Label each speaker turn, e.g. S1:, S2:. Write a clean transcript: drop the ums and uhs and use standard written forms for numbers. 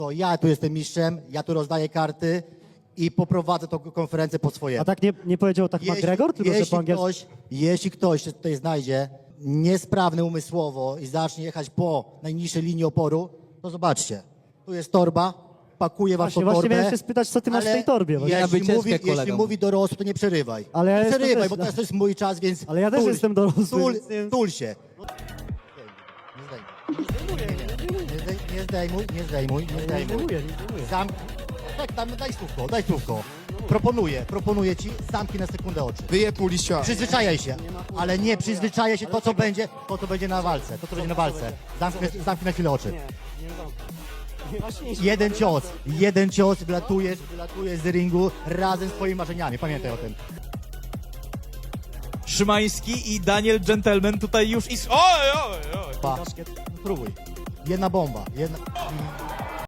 S1: to ja tu jestem mistrzem, ja tu rozdaję karty i poprowadzę tą konferencję po swojemu.
S2: A tak nie powiedział tak McGregor, tylko że po angielsku?
S1: Jeśli ktoś się tutaj znajdzie niesprawny umysłowo i zacznie jechać po najniższej linii oporu, to zobaczcie, tu jest torba, pakuję was
S2: Właśnie,
S1: po torbę.
S2: miałem się spytać, co ty masz w tej torbie. Właśnie.
S1: Jeśli mówi dorosły, to nie przerywaj.
S2: Ale ja
S1: nie
S2: jestem
S1: przerywaj,
S2: też,
S1: bo
S2: no.
S1: teraz to jest mój czas, więc
S2: Ale ja też jestem dorosły, więc-
S1: Tul się. Nie zdejmuj.
S2: Nie zdejmuję.
S1: Tak, tam daj słówko. Proponuję ci, zamknij na sekundę oczy.
S3: Wyjeb mu liścia.
S1: Przyzwyczajaj się, ale nie przyzwyczajaj się to, co będzie na walce. Zamknij na chwilę oczy. Jeden cios, wylatujesz z ringu razem z twoimi marzeniami. Pamiętaj o tym.
S4: Szymański i Daniel Gentleman tutaj już Oj!
S1: Spróbuj. Jedna bomba.